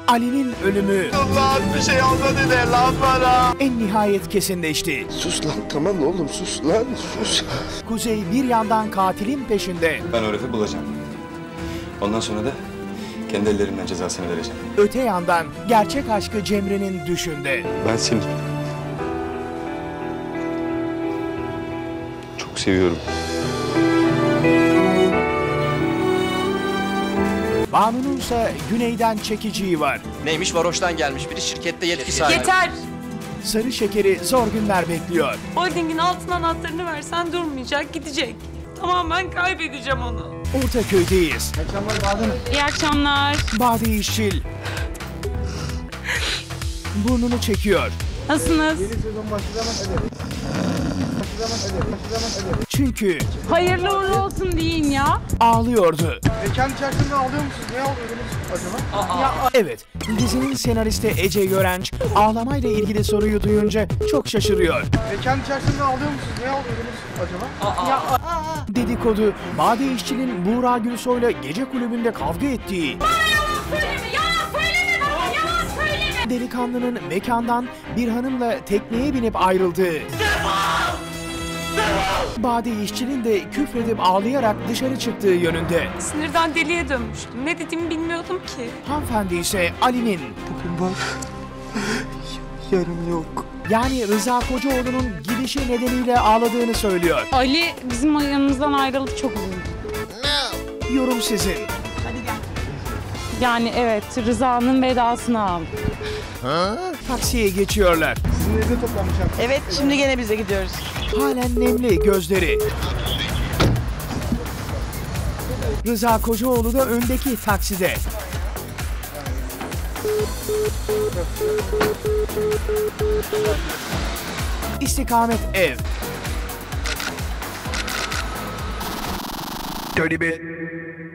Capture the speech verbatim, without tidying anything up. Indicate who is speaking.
Speaker 1: Ali'nin ölümü
Speaker 2: Allah'ım bir şey olmadı de lan bana.
Speaker 1: en nihayet kesinleşti.
Speaker 2: Sus lan, tamam oğlum, sus lan, sus.
Speaker 1: Kuzey bir yandan katilin peşinde.
Speaker 3: Ben o herifi bulacağım. Ondan sonra da kendi ellerimden cezasını vereceğim.
Speaker 1: Öte yandan gerçek aşkı Cemre'nin düşünde.
Speaker 3: Ben seni çok seviyorum.
Speaker 1: Banu'nunsa güneyden çekiciği var.
Speaker 4: Neymiş, varoştan gelmiş biri, şirkette yetki sahibi.
Speaker 5: Yeter!
Speaker 1: Sarı şekeri zor günler bekliyor.
Speaker 5: Holdingin altın anahtarını versen durmayacak, gidecek. Tamamen kaybedeceğim onu.
Speaker 1: Ortaköy'deyiz.
Speaker 5: İyi akşamlar.
Speaker 1: Bade İşçil burnunu çekiyor.
Speaker 5: Nasılsınız?
Speaker 1: Çünkü
Speaker 5: Hayırlı uğurlu olsun deyin ya.
Speaker 1: ağlıyordu.
Speaker 2: Mekan içerisinde ağlıyor musunuz? Ne ağlıyordunuz acaba?
Speaker 1: Evet, dizinin senaristi Ece Görenç ağlamayla ilgili soruyu duyunca çok şaşırıyor.
Speaker 2: Mekan içerisinde ağlıyor musunuz? Ne ağlıyordunuz acaba?
Speaker 1: Dedikodu, Bade İşçil'in Buğra Gülsoy'la gece kulübünde kavga ettiği, delikanlının mekandan bir hanımla tekneye binip ayrıldığı, Bade İşçil'in de küfredip ağlayarak dışarı çıktığı yönünde.
Speaker 5: Sinirden deliye dönmüştüm. Ne dediğimi bilmiyordum ki.
Speaker 1: Hanımefendi ise Ali'nin,
Speaker 2: Bugün var, yarın yok.
Speaker 1: yani Rıza Kocaoğlu'nun gidişi nedeniyle ağladığını söylüyor.
Speaker 5: Ali bizim yanımızdan ayrıldı, çok üzüldüm.
Speaker 1: Yorum sizin.
Speaker 5: Yani evet, Rıza'nın vedasını aldı.
Speaker 1: Taksiye geçiyorlar.
Speaker 2: Sizin evde toplanmışlar.
Speaker 6: Evet, şimdi gene bize gidiyoruz.
Speaker 1: Halen nemli gözleri. Rıza Kocaoğlu da öndeki takside. İstikamet ev.
Speaker 2: Dirty bit.